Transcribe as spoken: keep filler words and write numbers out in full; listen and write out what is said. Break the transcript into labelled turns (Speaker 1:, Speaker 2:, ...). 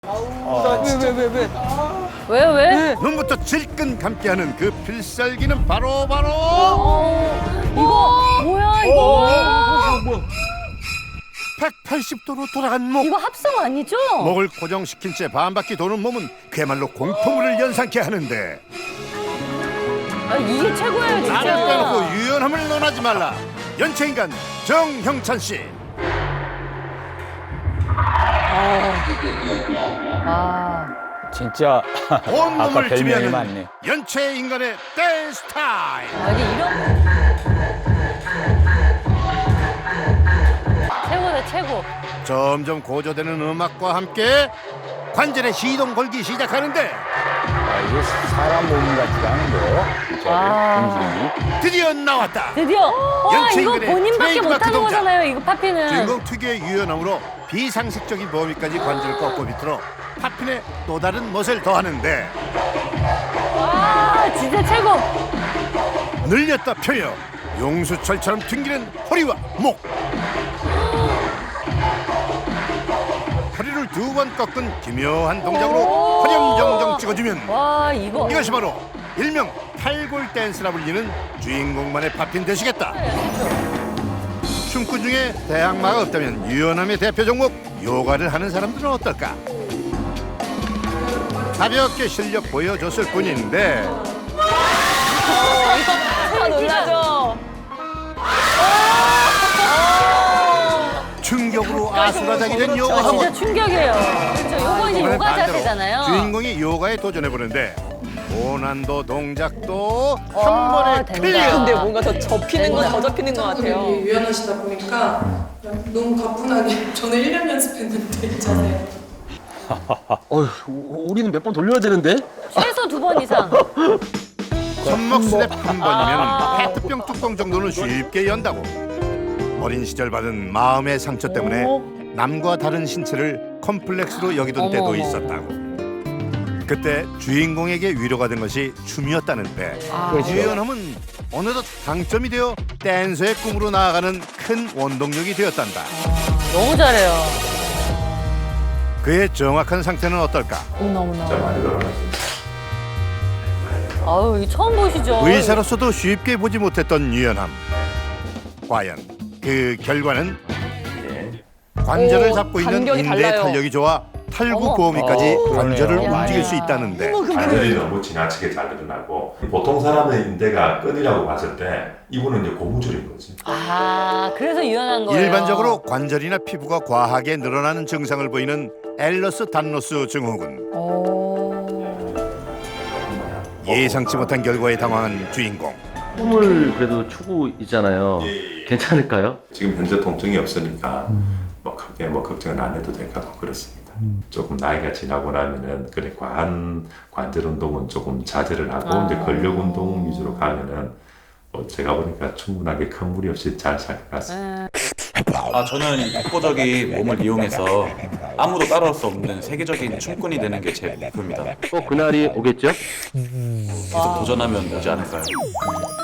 Speaker 1: 왜 왜 왜 왜?
Speaker 2: 왜 왜?
Speaker 3: 눈부터 질끈 감기하는 그 필살기는 바로 바로
Speaker 2: 어, 이거 뭐야 이거?
Speaker 3: 백팔십 도로 돌아간 목.
Speaker 2: 이거 합성 아니죠?
Speaker 3: 목을 고정시킨 채 반바퀴 도는 몸은 그야말로 공포물을 연상케 하는데
Speaker 2: 아, 이게 최고예요
Speaker 3: 나를
Speaker 2: 진짜.
Speaker 3: 빼놓고 유연함을 논하지 말라. 연체인간 정형찬 씨.
Speaker 2: 아,
Speaker 1: 진짜 아까
Speaker 3: 온몸을
Speaker 1: 별명이
Speaker 3: 지배하는
Speaker 1: 많네.
Speaker 3: 연체 인간의 댄스 타임.
Speaker 2: 아니 이런 최고다 최고.
Speaker 3: 점점 고조되는 음악과 함께 관절에 시동 걸기 시작하는데
Speaker 1: 아, 이게 사람 몸 같지가 않은데요? 진짜
Speaker 2: 아.
Speaker 1: 움직임이.
Speaker 3: 드디어 나왔다.
Speaker 2: 드디어 와
Speaker 3: 연체
Speaker 2: 이거
Speaker 3: 인간의
Speaker 2: 본인밖에
Speaker 3: 트레이드마크
Speaker 2: 못하는
Speaker 3: 동작.
Speaker 2: 거잖아요 이거 파피는.
Speaker 3: 주인공 특유의 유연함으로 비상식적인 범위까지 관절을 꺾고 비틀어 파핀의 또 다른 멋을 더하는데
Speaker 2: 와 진짜 최고.
Speaker 3: 늘렸다 펴요. 용수철처럼 튕기는 허리와 목. 허리를 두 번 꺾은 기묘한 동작으로 화렴정정 찍어주면
Speaker 2: 와 이거
Speaker 3: 이것이 바로 일명 탈골 댄스라 불리는 주인공만의 파핀 되시겠다. 춤꾼 중에 대항마가 없다면 유연함의 대표 종목 요가를 하는 사람들은 어떨까? 가볍게 실력 보여줬을 뿐인데
Speaker 2: 다 놀라죠.
Speaker 3: 충격으로 아수라장이 된 요가
Speaker 2: 아, 진짜
Speaker 3: 학원.
Speaker 2: 충격이에요. 그렇죠. 요거 이제
Speaker 3: 이번엔
Speaker 2: 요가
Speaker 3: 반대로
Speaker 2: 자세잖아요.
Speaker 3: 주인공이 요가에 도전해보는데 고난도 동작도
Speaker 2: 와,
Speaker 3: 한 번에
Speaker 2: 된다.
Speaker 3: 클리어.
Speaker 4: 근데 뭔가 더 접히는 건 더 접히는 것 같아요.
Speaker 5: 분이 유연하시다 보니까 너무 가뿐하게 저는 일 년 연습했는데 이 자세.
Speaker 6: 어휴, 우- 우리는 몇 번 돌려야 되는데?
Speaker 2: 최소 두 번 이상.
Speaker 3: 손목 스텝 한 번이면 페트병 뚜껑 정도는 쉽게 연다고. 어린 시절 받은 마음의 상처 때문에 남과 다른 신체를 컴플렉스로 여기던
Speaker 2: 어머,
Speaker 3: 때도
Speaker 2: 어머.
Speaker 3: 있었다고. 그때 주인공에게 위로가 된 것이 춤이었다는데
Speaker 2: 아.
Speaker 3: 유연함은 어느덧 강점이 되어 댄서의 꿈으로 나아가는 큰 원동력이 되었단다.
Speaker 2: 너무 잘해요.
Speaker 3: 그의 정확한 상태는 어떨까?
Speaker 2: 어머나. 아유 이 처음 보시죠.
Speaker 3: 의사로서도 쉽게 보지 못했던 유연함. 과연 그 결과는 관절을
Speaker 4: 오,
Speaker 3: 잡고 있는
Speaker 4: 간격이
Speaker 3: 인대
Speaker 4: 달라요.
Speaker 3: 탄력이 좋아 탈구
Speaker 2: 어머.
Speaker 3: 보호미까지
Speaker 1: 어,
Speaker 3: 관절을
Speaker 1: 그러네요.
Speaker 3: 움직일
Speaker 2: 야.
Speaker 3: 수 있다는데
Speaker 7: 관절이 너무 지나치게 잘 늘어나고 보통 사람의 인대가 끈이라고 봤을 때 이분은 이제 고무줄인 거지.
Speaker 2: 아 그래서 유연한 거예요.
Speaker 3: 일반적으로 관절이나 피부가 과하게 늘어나는 증상을 보이는 엘러스 단로스 증후군.
Speaker 2: 오.
Speaker 3: 예상치 못한 결과에 당황한 주인공.
Speaker 6: 꿈을 그래도 추고 있잖아요.
Speaker 7: 예, 예.
Speaker 6: 괜찮을까요?
Speaker 7: 지금 현재 통증이 없으니까 뭐 크게 뭐 걱정은 안 해도 될 것 같고 그렇습니다. 조금 나이가 지나고 나면은 그래 과한 관절 운동은 조금 자제를 하고
Speaker 2: 아.
Speaker 7: 이제 근력 운동 위주로 가면은 뭐 제가 보니까 충분하게 큰 무리 없이 잘 살 것 같습니다.
Speaker 8: 아, 저는 독보적인 몸을 이용해서 아무도 따라올 수 없는 세계적인 춤꾼이 되는 게 제 목표입니다.
Speaker 6: 꼭 그날이 오겠죠?
Speaker 8: 계속 도전하면 오지 않을까요?